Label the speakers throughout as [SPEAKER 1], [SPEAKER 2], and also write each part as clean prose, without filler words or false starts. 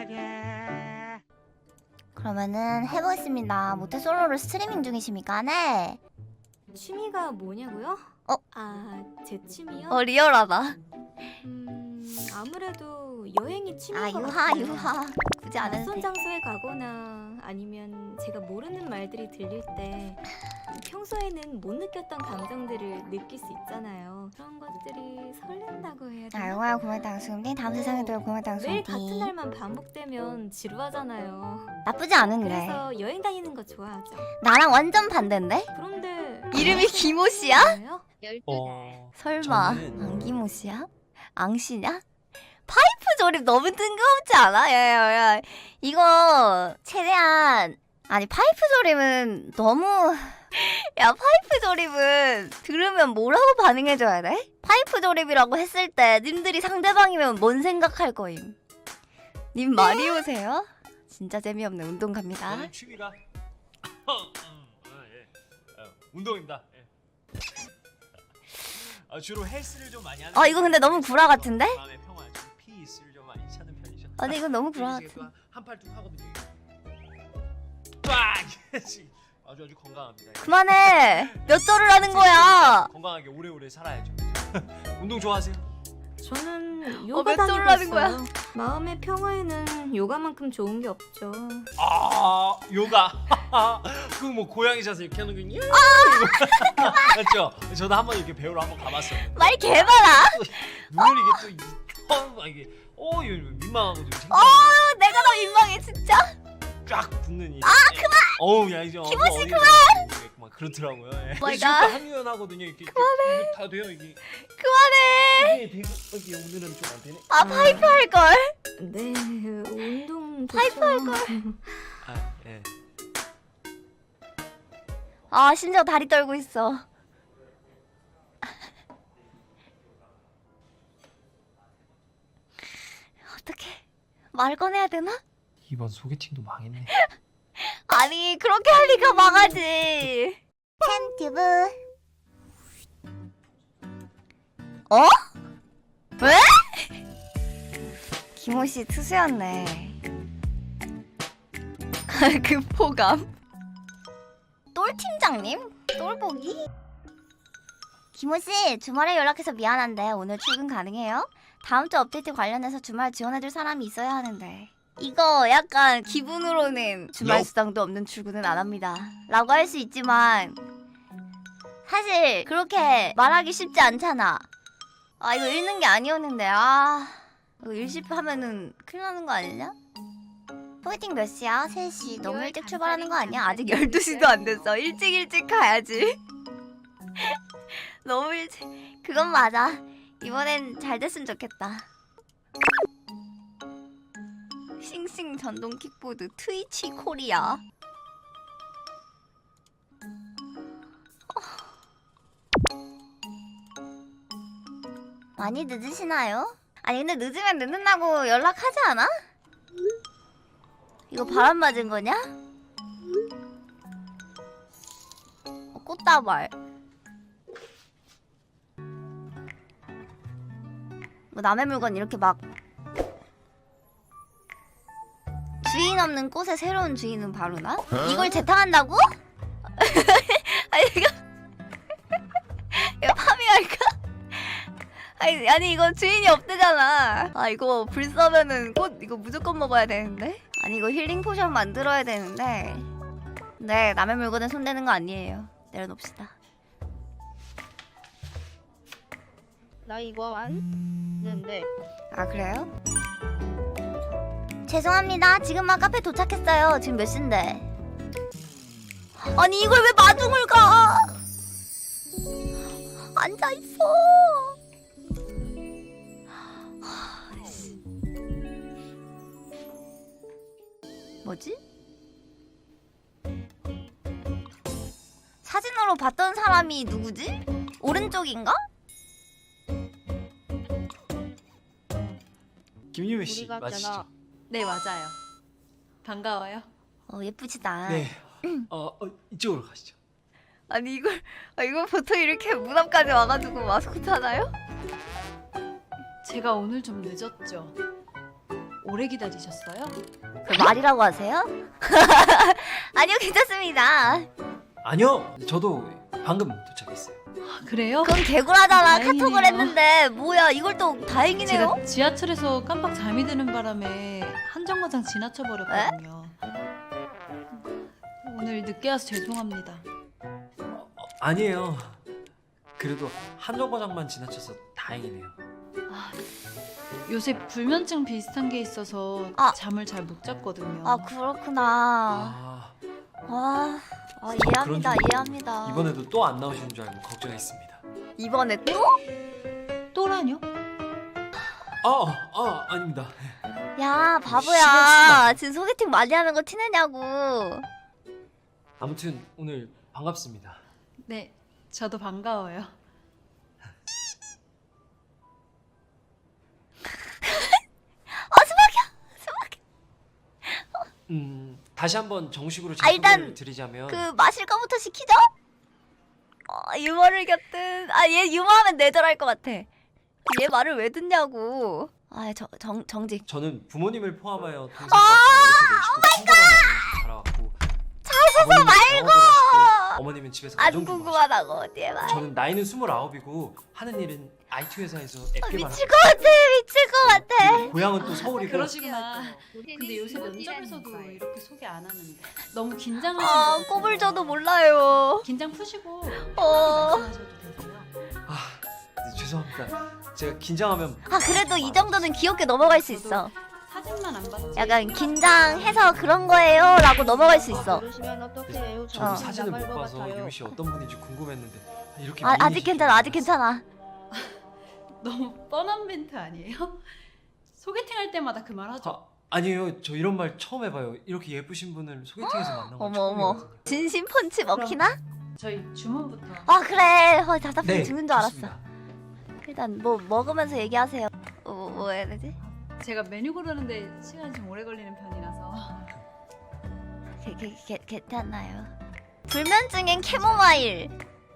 [SPEAKER 1] 그러면은 해보겠습니다. 모태솔로를 스트리밍 중이십니까? 네.
[SPEAKER 2] 취미가 뭐냐고요?
[SPEAKER 1] 어?
[SPEAKER 2] 제 취미요?
[SPEAKER 1] 리얼하다.
[SPEAKER 2] 아무래도 여행이 취미인
[SPEAKER 1] 아
[SPEAKER 2] 것
[SPEAKER 1] 유하
[SPEAKER 2] 같아요.
[SPEAKER 1] 유하. 굳이 안 해도
[SPEAKER 2] 낯선
[SPEAKER 1] 돼.
[SPEAKER 2] 장소에 가거나 아니면 제가 모르는 말들이 들릴 때 평소에는 못 느꼈던 감정들을 느낄 수 있잖아요. 그런 것들이 설렌다고 해야
[SPEAKER 1] 자,
[SPEAKER 2] 되나?
[SPEAKER 1] 영화야 고맙다 수음디 다음 세상에 또 고맙다
[SPEAKER 2] 매일 같은
[SPEAKER 1] 수음디.
[SPEAKER 2] 날만 반복되면 지루하잖아요.
[SPEAKER 1] 나쁘지 않은데.
[SPEAKER 2] 그래서 여행 다니는 거 좋아하죠.
[SPEAKER 1] 나랑 완전 반대인데?
[SPEAKER 2] 그런데
[SPEAKER 1] 이름이 김호 씨야?
[SPEAKER 2] 뭐예요?
[SPEAKER 1] 설마
[SPEAKER 3] 저는-
[SPEAKER 1] 안기모 씨야? 앙씨냐? 파이프 조립 너무 뜬금없지 않아? 야야야 이거 최대한 아니 파이프 조립은 너무 야 파이프 조립은 들으면 뭐라고 반응해줘야 돼? 파이프 조립이라고 했을 때 님들이 상대방이면 뭔 생각할 거임? 님 마리오세요? 진짜 재미없네. 운동 갑니다.
[SPEAKER 3] 저는 취미가 운동입니다. 예. 주로 헬스를 좀 많이 하는.
[SPEAKER 1] 이거 근데 너무 구라 같은데?
[SPEAKER 3] 마음의 평화, 좀 피스를 좀 많이 찾는 편이죠.
[SPEAKER 1] 근데 이건 너무 구라 같은.
[SPEAKER 3] 한팔 뚝 하거든요. 와, 아주 건강합니다.
[SPEAKER 1] 그만해. 몇 절을 하는 거야?
[SPEAKER 3] 건강하게 오래오래 살아야죠. 운동 좋아하세요?
[SPEAKER 2] 저는 요가
[SPEAKER 1] 몇
[SPEAKER 2] 다니고
[SPEAKER 1] 졸을 하는
[SPEAKER 2] 있어요.
[SPEAKER 1] 거야?
[SPEAKER 2] 마음의 평화에는 요가만큼 좋은 게 없죠.
[SPEAKER 3] 아, 요가. 그 뭐 고양이 자세 이렇게 하는 거 있냐? 맞죠? 저도 한번 이렇게 배우러 한번 가봤어요.
[SPEAKER 1] 말 개많아.
[SPEAKER 3] 물론 이게 또 이게 이거 민망하고 좀
[SPEAKER 1] 내가 더 민망해 진짜.
[SPEAKER 3] 쫙 붙는 이.
[SPEAKER 1] 그만.
[SPEAKER 3] 어우 야 이제
[SPEAKER 1] 김호씨
[SPEAKER 3] 그만. 그렇더라고요. 예.
[SPEAKER 1] 마이
[SPEAKER 3] 지금도
[SPEAKER 1] 갓.
[SPEAKER 3] 한유연하거든요. 이렇게
[SPEAKER 1] 그만해.
[SPEAKER 3] 이게 다 돼요 이게.
[SPEAKER 1] 그만해.
[SPEAKER 3] 이게 이게 오늘은 좀 안 되네.
[SPEAKER 1] 파이프 할 걸.
[SPEAKER 2] 네, 운동
[SPEAKER 1] 파이프
[SPEAKER 2] 좋죠.
[SPEAKER 1] 할 걸.
[SPEAKER 3] 아 예.
[SPEAKER 1] 심지어 다리 떨고 있어. 어떡해. 말 꺼내야 되나?
[SPEAKER 3] 이번 소개팅도 망했네.
[SPEAKER 1] 아니 그렇게 할 리가 망하지. 팬튜브. 왜? 김호씨 투수였네. 그 포감. 똘 팀장님? 똘보기? 김호씨 주말에 연락해서 미안한데 오늘 출근 가능해요? 다음 주 업데이트 관련해서 주말 지원해줄 사람이 있어야 하는데. 이거 약간 기분으로는 주말 수당도 없는 출근은 안 합니다 라고 할 수 있지만 사실 그렇게 말하기 쉽지 않잖아. 이거 읽는 게 아니었는데 이거 일십하면은 큰일 나는 거 아니냐? 소개팅 몇 시야? 3시. 너무 일찍 출발하는 거 아니야? 아직 12시도 안 됐어. 일찍 가야지. 너무 일찍. 그건 맞아. 이번엔 잘 됐으면 좋겠다. 싱싱 전동 킥보드 트위치 코리아. 많이 늦으시나요? 아니 근데 늦으면 늦는다고 연락하지 않아? 이거 바람 맞은 거냐? 꽃다발. 뭐 남의 물건 이렇게 막 주인 없는 꽃의 새로운 주인은 바로 나? 이걸 재탕한다고? 아니 이거 파밍할까? 아니 이거 주인이 없대잖아. 이거 불 써면은 꽃 이거 무조건 먹어야 되는데? 아니 이거 힐링 포션 만들어야 되는데. 네, 남의 물건에 손대는 거 아니에요. 내려놓읍시다.
[SPEAKER 4] 나 이거 안 했는데.
[SPEAKER 1] 그래요? 죄송합니다. 지금 막 카페 도착했어요. 지금 몇 시인데? 아니 이걸 왜 마중을 가? 앉아있어. 뭐지? 사진으로 봤던 사람이 누구지? 오른쪽인가?
[SPEAKER 3] 김유미 씨
[SPEAKER 4] 우리가
[SPEAKER 3] 맞으시죠?
[SPEAKER 4] 있잖아.
[SPEAKER 5] 네, 맞아요. 반가워요.
[SPEAKER 1] 예쁘시다.
[SPEAKER 3] 네. 이쪽으로 가시죠.
[SPEAKER 1] 아니 이거 보통 이렇게 문 앞까지 와가지고 마스코트 하나요?
[SPEAKER 5] 제가 오늘 좀 늦었죠. 오래 기다리셨어요?
[SPEAKER 1] 그 말이라고 하세요? 아니요, 괜찮습니다.
[SPEAKER 3] 아니요, 저도 방금 도착했어요.
[SPEAKER 5] 아, 그래요?
[SPEAKER 1] 그럼 개구라잖아.
[SPEAKER 5] 다행이네요.
[SPEAKER 1] 카톡을 했는데 뭐야, 이걸 또 다행이네요.
[SPEAKER 5] 제가 지하철에서 깜빡 잠이 드는 바람에 한정거장 지나쳐 버렸거든요. 오늘 늦게 와서 죄송합니다.
[SPEAKER 3] 아니에요. 그래도 한정거장만 지나쳐서 다행이네요.
[SPEAKER 5] 요새 불면증 비슷한 게 있어서
[SPEAKER 1] 아.
[SPEAKER 5] 잠을 잘 못 잤거든요.
[SPEAKER 1] 아, 그렇구나.
[SPEAKER 3] 아,
[SPEAKER 1] 이해합니다.
[SPEAKER 3] 그런 줄
[SPEAKER 1] 이해합니다.
[SPEAKER 3] 이번에도 또 안 나오시는 줄 알고 걱정했습니다.
[SPEAKER 1] 이번에 또?
[SPEAKER 5] 또라뇨?
[SPEAKER 3] 아닙니다.
[SPEAKER 1] 야,
[SPEAKER 3] 시간
[SPEAKER 1] 바보야. 지금 소개팅 많이 하는 거 티내냐고.
[SPEAKER 3] 아무튼 오늘 반갑습니다.
[SPEAKER 5] 네, 저도 반가워요.
[SPEAKER 3] 다시 한번 정식으로 제
[SPEAKER 1] 아, 일단
[SPEAKER 3] 소개를 드리자면
[SPEAKER 1] 그 마실 거부터 시키죠? 유머를 곁든 얘 유머하면 내절할 것 같아. 얘 말을 왜 듣냐고. 정직.
[SPEAKER 3] 저는 부모님을 포함하여 동생과 이렇게 내시고 자라왔고 자소서 말고 어머님은 집에서
[SPEAKER 1] 안
[SPEAKER 3] 가정주부
[SPEAKER 1] 궁금하다고 어디에 말.
[SPEAKER 3] 저는 나이는 29이고 하는 일은 IT 회사에서 앱 개발하고
[SPEAKER 1] 미칠 것 같아. 미칠 것 같아.
[SPEAKER 3] 고향은 또 서울이고
[SPEAKER 5] 그러시구나. 근데 요새 면접에서도 이렇게 소개 안 하는데 너무 긴장하시는 것
[SPEAKER 1] 꼽을
[SPEAKER 5] 같아요.
[SPEAKER 1] 저도 몰라요.
[SPEAKER 5] 긴장 푸시고
[SPEAKER 1] 어.
[SPEAKER 5] 말씀하셔도 되고요.
[SPEAKER 3] 네, 죄송합니다. 제가 긴장하면
[SPEAKER 1] 그래도 이 정도는 귀엽게 넘어갈 수 있어.
[SPEAKER 5] 사진만 안 봤지.
[SPEAKER 1] 약간 긴장해서 그런 거예요 라고 넘어갈 수 있어.
[SPEAKER 4] 모르시면 어떡해요?
[SPEAKER 3] 저도
[SPEAKER 1] 어.
[SPEAKER 3] 사진을 못
[SPEAKER 4] 나갈 것
[SPEAKER 3] 봐서
[SPEAKER 4] 같아요.
[SPEAKER 3] 유미 씨 어떤 분인지 궁금했는데 이렇게
[SPEAKER 1] 아직
[SPEAKER 3] 미인이실
[SPEAKER 1] 괜찮아.
[SPEAKER 3] 줄
[SPEAKER 1] 아직 괜찮아.
[SPEAKER 5] 너무 뻔한 멘트 아니에요? 소개팅 할 때마다 그 말 하죠.
[SPEAKER 3] 아니에요. 저 이런 말 처음 해봐요. 이렇게 예쁘신 분을 소개팅에서 만난 건
[SPEAKER 1] 어머,
[SPEAKER 3] 처음이거든요.
[SPEAKER 1] 진심 펀치 먹히나?
[SPEAKER 5] 저희 주문부터.
[SPEAKER 1] 그래. 답답해
[SPEAKER 3] 네,
[SPEAKER 1] 죽는 줄 알았어.
[SPEAKER 3] 좋습니다.
[SPEAKER 1] 일단 뭐 먹으면서 얘기하세요. 뭐 해야 되지?
[SPEAKER 5] 제가 메뉴 고르는데 시간이 좀 오래 걸리는 편이라서.
[SPEAKER 1] 괜찮나요? 불면증엔 캐모마일.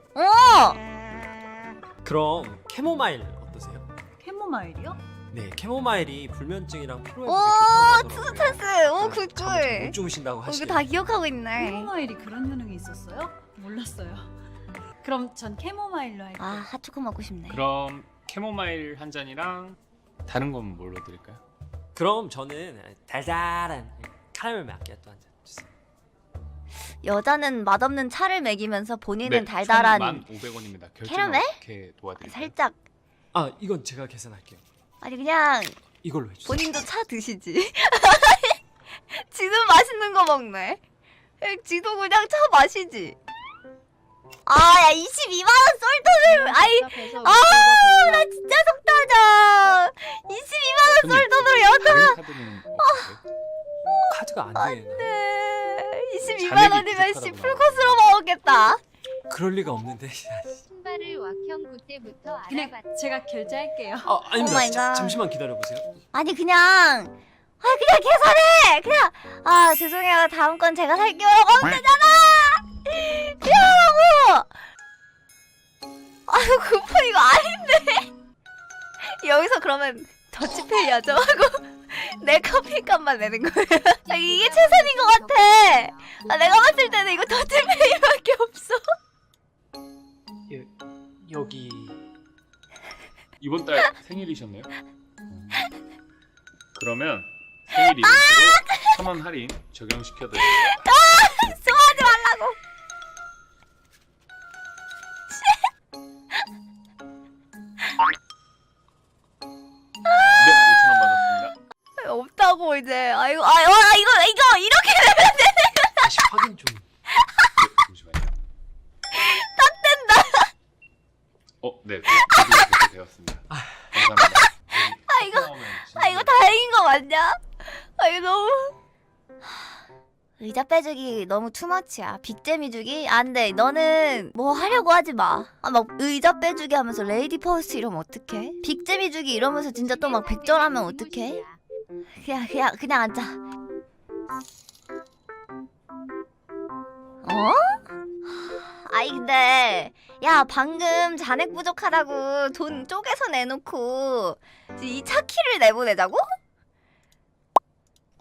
[SPEAKER 3] 그럼 캐모마일 어떠세요?
[SPEAKER 5] 캐모마일이요?
[SPEAKER 3] 네, 캐모마일이 불면증이랑 피로회복에
[SPEAKER 1] 오,
[SPEAKER 3] 좋다고 하더라고요.
[SPEAKER 1] 찬스. 오,
[SPEAKER 3] 잠을
[SPEAKER 1] 굿굿.
[SPEAKER 3] 못 주무신다고
[SPEAKER 1] 이거
[SPEAKER 3] 하시네요.
[SPEAKER 1] 다 기억하고 있네.
[SPEAKER 5] 캐모마일이 그런 효능이 있었어요? 몰랐어요. 그럼 전 캐모마일로 할게요.
[SPEAKER 1] 핫초코 먹고 싶네.
[SPEAKER 6] 그럼 캐모마일 한 잔이랑 다른 건 뭘로 드릴까요?
[SPEAKER 3] 그럼 저는 달달한 카라멜 마키아토 한 잔 주세요.
[SPEAKER 1] 여자는 맛없는 차를 먹이면서 본인은
[SPEAKER 6] 네,
[SPEAKER 1] 달달한
[SPEAKER 6] 총 1,500원입니다. 결제는
[SPEAKER 1] 캐러멜?
[SPEAKER 6] 어떻게 도와드릴까요?
[SPEAKER 1] 살짝
[SPEAKER 3] 이건 제가 계산할게요.
[SPEAKER 1] 그냥
[SPEAKER 3] 이걸로 해주세요.
[SPEAKER 1] 본인도 차 드시지. 지도 맛있는 거 먹네. 지도 그냥 차 마시지. 야 22만 원 쏠돈을 나 진짜 속 터져. 22만 원 쏠돈을
[SPEAKER 6] 다른 카드는 없으세요?
[SPEAKER 3] 카드가 안 되나?
[SPEAKER 1] 네. 22만
[SPEAKER 6] 잔액이
[SPEAKER 1] 원이면 씨
[SPEAKER 6] 부족하다고
[SPEAKER 1] 풀코스로 먹었겠다.
[SPEAKER 3] 그럴 리가 없는데.
[SPEAKER 7] 신발을 왁형 그때부터
[SPEAKER 5] 그냥
[SPEAKER 7] 알아봤.
[SPEAKER 5] 제가 결제할게요.
[SPEAKER 3] 아닙니다.
[SPEAKER 1] 오 마이 갓.
[SPEAKER 3] 잠시만 기다려보세요.
[SPEAKER 1] 아니 그냥 계산해. 그냥 죄송해요. 다음 건 제가 살게요. 하면 되잖아. 미안하고. 쿠폰 이거 아닌데. 여기서 그러면 더치페이 하죠 하고 내 커피값만 내는 거예요. 이게 최선인 것 같아. 내가 봤을 때는 이거 더치페이밖에 없어.
[SPEAKER 3] 여기
[SPEAKER 6] 이번 달 생일이셨네요? 그러면 생일 이벤트로 1,000원 할인 적용시켜드립니다.
[SPEAKER 1] 좋아하지 말라고.
[SPEAKER 6] 네, 5,000원 받았습니다.
[SPEAKER 1] 없다고 이제. 이거 이렇게 되면
[SPEAKER 3] 다시 확인 좀.
[SPEAKER 6] 네, 잠시만요. 딱 된다. 네, 그렇게 되었습니다. 감사합니다.
[SPEAKER 1] 이거 다행인 거 맞냐? 이거 너무 의자 빼주기 너무 투머치야. 빅잼이 주기? 안 돼. 너는 뭐 하려고 하지 마. 막 의자 빼주기 하면서 레이디 퍼스트 이러면 어떡해? 빅잼이 주기 이러면서 진짜 또 막 백절하면 어떡해? 그냥 앉아. 근데 야 방금 잔액 부족하다고 돈 쪼개서 내놓고 이 차 키를 내보내자고?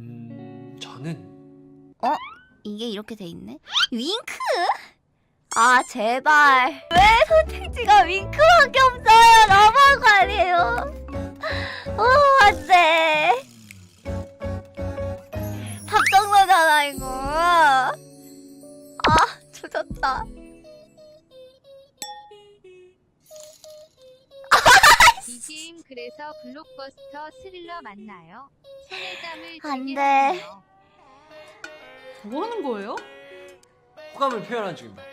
[SPEAKER 3] 저는
[SPEAKER 1] 이게 이렇게 돼 있네? 윙크? 아 제발 왜 선택지가 윙크밖에 없어요? 너무한 거 아니에요? 안돼. 답정너잖아 이거. 조졌다.
[SPEAKER 7] BGM 그래서 블록버스터 스릴러 맞나요? 손에 땀을
[SPEAKER 1] 안
[SPEAKER 7] 쥐게
[SPEAKER 1] 돼.
[SPEAKER 7] 하네요.
[SPEAKER 5] 뭐 하는 거예요?
[SPEAKER 3] 호감을 표현한 중입니다.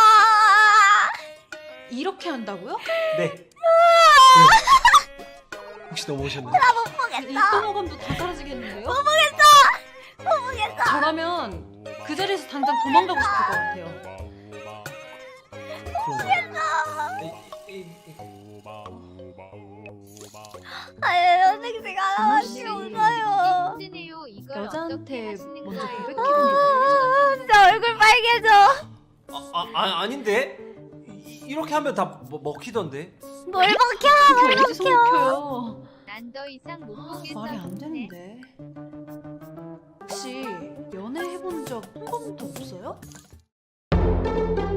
[SPEAKER 5] 이렇게 한다고요?
[SPEAKER 3] 네. 혹시 넘어오셨나요?
[SPEAKER 5] 입동호감도 다 사라지겠는데요?
[SPEAKER 1] 못 보겠어.
[SPEAKER 5] 저라면 그 자리에서 당장 도망가고 싶을 것 같아요.
[SPEAKER 1] 아니 선택지가 하나밖에 없어요.
[SPEAKER 7] 힘드네요. 이걸
[SPEAKER 5] 여자한테
[SPEAKER 7] 어떻게 하시는
[SPEAKER 5] 먼저
[SPEAKER 7] 거예요?
[SPEAKER 5] 고백해보니까
[SPEAKER 1] 진짜 얼굴 빨개져.
[SPEAKER 3] 아닌데? 이렇게 하면 다 먹히던데?
[SPEAKER 1] 뭘 먹혀?
[SPEAKER 5] 그게 어디서 먹혀요?
[SPEAKER 7] 난 더 이상 못 보겠어.
[SPEAKER 5] 말이 안 되는데. 혹시 연애해본 적 한 번도 없어요?